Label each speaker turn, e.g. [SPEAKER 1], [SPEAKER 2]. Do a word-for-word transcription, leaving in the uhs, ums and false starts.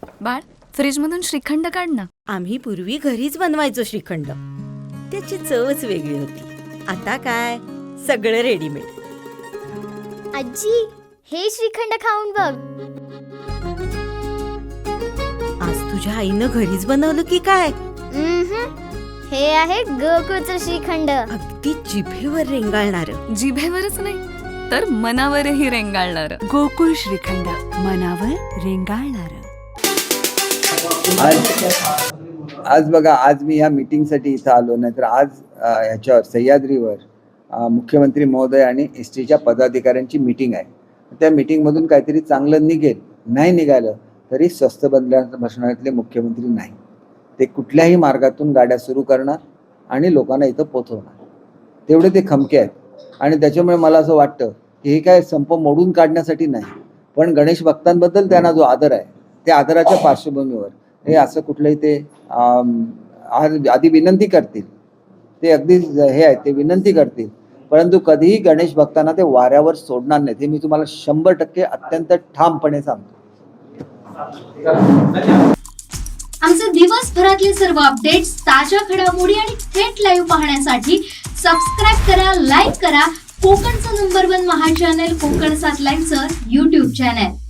[SPEAKER 1] बाळ, फ्रीजमधून श्रीखंड काढ ना.
[SPEAKER 2] आम्ही पूर्वी घरीच बनवायचो श्रीखंड. त्याची चवच वेगळी होती. आता काय सगळं रेडीमेड.
[SPEAKER 3] आजी, हे श्रीखंड खाऊन बघ.
[SPEAKER 2] आज तुझ्या आईनं घरीच बनवलं की काय?
[SPEAKER 3] उम्हम. हे आहे गोकुळचं श्रीखंड.
[SPEAKER 2] अगदी जिभेवर रेंगाळणार.
[SPEAKER 1] जिभेवरच नाही तर मनावरही रेंगाळणार.
[SPEAKER 4] गोकुळ श्रीखंड, मनावर रेंगाळणार.
[SPEAKER 5] आज आज बघा, आज मी ह्या मीटिंगसाठी इथं आलो, नाहीतर आज अ, ह्याच्यावर सह्याद्रीवर अ, मुख्यमंत्री महोदय आणि एस टीच्या पदाधिकाऱ्यांची मीटिंग आहे. त्या मीटिंगमधून काहीतरी चांगलं निघेल. नाही निघालं तरी स्वस्त बदला बसणाऱ्यातले मुख्यमंत्री नाही. ते कुठल्याही मार्गातून गाड्या सुरू करणार आणि लोकांना इथं पोचवणार. तेवढे ते खमके आहेत. आणि त्याच्यामुळे मला असं वाटतं की हे काय संप मोडून काढण्यासाठी नाही, पण गणेश भक्तांबद्दल त्यांना जो आदर आहे त्या आदराच्या पार्श्वभूमीवर हे असं कुठलंही ते आधी विनंती करतील. ते अगदी हे आहे, ते विनंती करतील, परंतु कधीही गणेश भक्तांना ते वाऱ्यावर सोडणार नाहीत. हे मी तुम्हाला शंभर टक्के अत्यंत ठामपणे सांगतो.
[SPEAKER 6] आमचे दिवसभरातले सर्व अपडेट्स, ताज्या घडामोडी आणि थेट लाईव्ह पाहण्यासाठी सबस्क्राईब करा, लाईक करा कोकणचं नंबर वन महा चॅनल कोकण सात लाईनचं यूट्यूब चॅनल.